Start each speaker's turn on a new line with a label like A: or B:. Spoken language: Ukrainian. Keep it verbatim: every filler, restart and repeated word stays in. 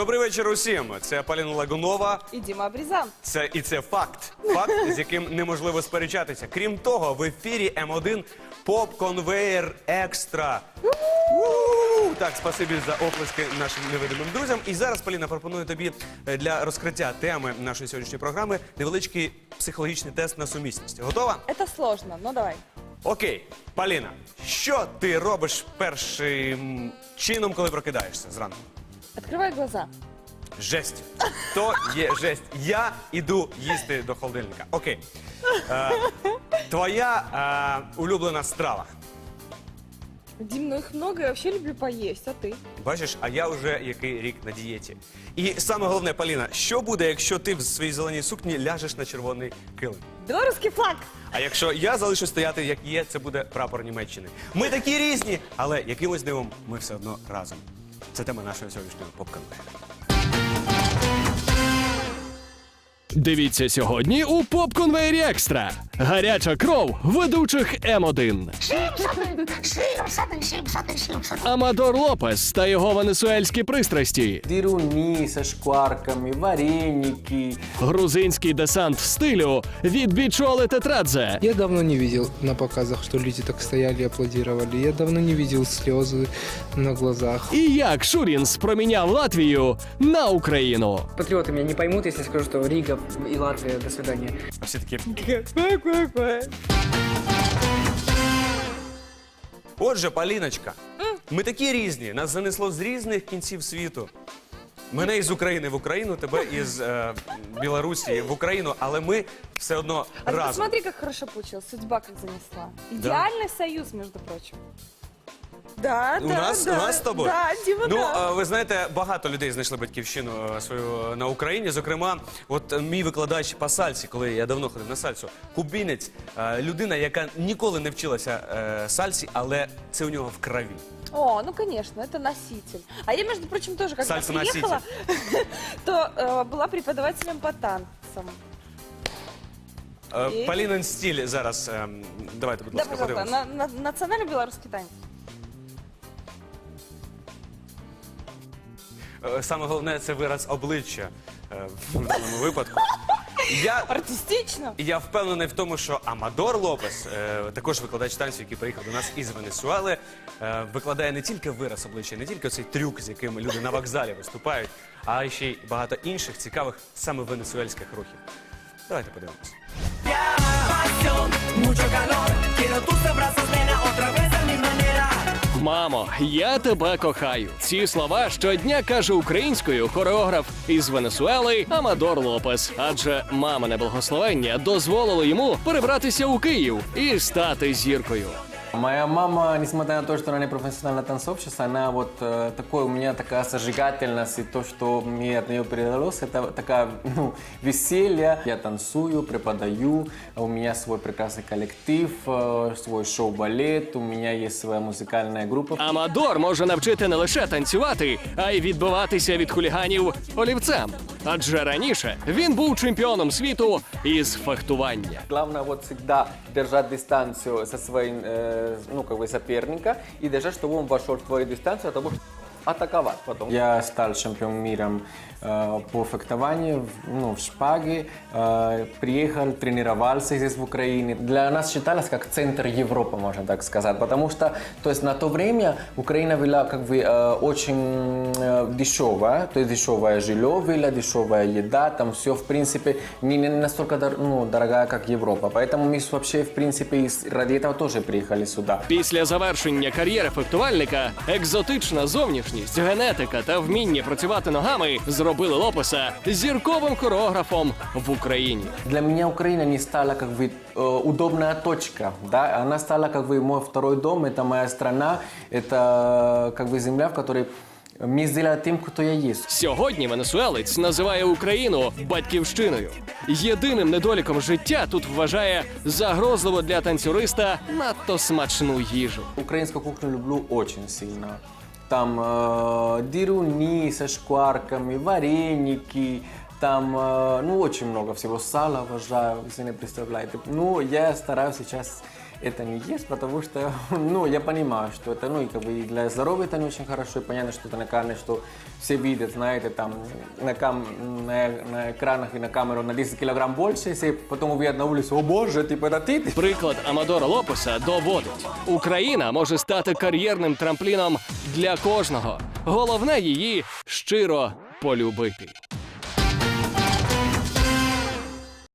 A: Добрий вечір усім. Це Поліна Лагунова.
B: І Діма Брізан.
A: Це і це факт. Факт, з яким неможливо сперечатися. Крім того, в ефірі М один поп-конвеєр екстра. У-у-у! Так, спасибі за оплески нашим невидимим друзям. І зараз, Поліна, пропоную тобі для розкриття теми нашої сьогоднішньої програми невеличкий психологічний тест на сумісність. Готова?
B: Це сложно, ну давай.
A: Окей, Поліна, що ти робиш першим чином, коли прокидаєшся зранку?
B: Открывай глаза.
A: Жесть. То є жесть. Я іду їсти до холодильника. Окей. Е, твоя е, улюблена страва.
B: Дим, ну их много, я вообще люблю поесть, а ты?
A: Бачиш, а я вже який рік на дієті. І саме головне, Поліна, що буде, якщо ти в своїй зеленій сукні ляжеш на червоний килим?
B: Белорусский флаг.
A: А якщо я залишу стояти, як є, це буде прапор Німеччини. Ми такі різні, але якимось дивом ми все одно разом. Це тема нашого сьогоднішнього поп-конвеєру.
C: Дивіться сьогодні у поп-конвеєрі екстра. Гаряча кров ведучих М один. Амадор Лопес та його венесуельські пристрасті.
D: Дируни со шкварками, вареники.
C: Грузинський десант стилю від Бічоли Тетрадзе.
E: Я давно не видел на показах, что люди так стояли и аплодировали. Я давно не видел слезы на глазах.
C: І як Шурінс проміняв Латвію на Україну.
F: Патриоты меня не поймут, если скажу, что Рига и Латвия, до свидания.
A: А всі такі... Отже, Поліночка, ми такі різні. Нас занесло з різних кінців світу. Мене із України в Україну, тебе із е, Білорусі в Україну, але ми все одно
B: А ты
A: разом.
B: посмотри, как хорошо получилось, судьба как занесла. Идеальный союз, между прочим. Да,
A: У
B: да,
A: нас,
B: да.
A: у нас з тобою?
B: Да, Дима,
A: Ну,
B: да.
A: е, ви знаєте, багато людей знайшли батьківщину е, свою на Україні. Зокрема, от е, мій викладач по сальсі, коли я давно ходив на сальсу, кубінець, е, людина, яка ніколи не вчилася е, сальсі, але це у нього в крові.
B: О, ну конечно, это носитель. А я, между прочим, тоже, когда
A: Сальса-носитель.
B: приехала, то э, была преподавателем по танцам.
A: Е,
B: І?
A: Полінин стиль зараз, е, давайте, будь
B: Да,
A: ласка,
B: пожалуйста,
A: подивимося.
B: на, на, национальный белорусский танец.
A: Е, Саме головне, це вираз обличчя е, в даному випадку. Я,
B: Артистично.
A: я впевнений в тому, що Амадор Лопес, е, також викладач танців, який приїхав до нас із Венесуели, е, викладає не тільки вираз обличчя, не тільки цей трюк, з яким люди на вокзалі виступають, а ще й багато інших цікавих саме венесуельських рухів. Давайте подивимось.
C: Мамо, я тебе кохаю. Ці слова щодня каже українською хореограф із Венесуели Амадор Лопес. Адже мамине благословення дозволило йому перебратися у Київ і стати зіркою.
D: Моя мама, несмотря на то, что она не профессиональная танцовщица, она вот э, такой, у меня такая сожигательность, и то, что мне от нее передалось, это такая, ну, веселье. Я танцую, преподаю, у меня свой прекрасный коллектив, э, свой шоу-балет, у меня есть своя музыкальная группа.
C: Амадор може навчити не лише танцювати, а й відбиватися від хуліганів олівцем. Адже раніше він був чемпіоном світу із фехтування.
D: Главное вот всегда держать дистанцию со своим, э, ну, как бы соперника и держать, чтобы он вошел в твою дистанцию, а того, чтобы атаковать потом. Я стал чемпионом мира э, по фехтованию, в- ну, в шпаге, э, приехал, тренировался здесь в Украине. Для нас считалось как центр Европы, можно так сказать, потому что, то есть на то время Украина была как бы э, очень э, дешевая, то есть дешевое жилье было, дешевая еда, там все в принципе не, не настолько дор- ну, дорогая, как Европа. Поэтому мы вообще в принципе из- ради этого тоже приехали сюда.
C: Після завершення кар'єри фехтувальника екзотична зовнішність, генетика та вміння працювати ногами зробили Лопеса зірковим хореографом в Україні.
D: Для меня Украина не стала как бы э, удобная точка, да, она стала как бы мой второй дом, это моя страна, это как бы земля, в которой меня сделала тем, кто я есть.
C: Сьогодні венесуелець називає Україну батьківщиною. Єдиним недоліком життя тут вважає загрозливо для танцюриста надто смачну їжу.
D: Украинскую кухню люблю очень сильно. Там э, дируни со шкварками, вареники, там, э, ну, очень много всего. Сало обожаю, если не представляете. Ну, я стараюсь сейчас это не есть, потому что, ну, я понимаю, что это, ну, и как бы и для здоровья это не очень хорошо, и понятно, что это на камере, что все видят, знаете, там, на, кам на, на экранах и на камеру на десять килограмм больше, если потом увидят на улице, о боже, типа, это ты?
C: Приклад Амадора Лопеса доводить: Україна може стати кар'єрним трампліном для кожного. Головне її щиро полюбити.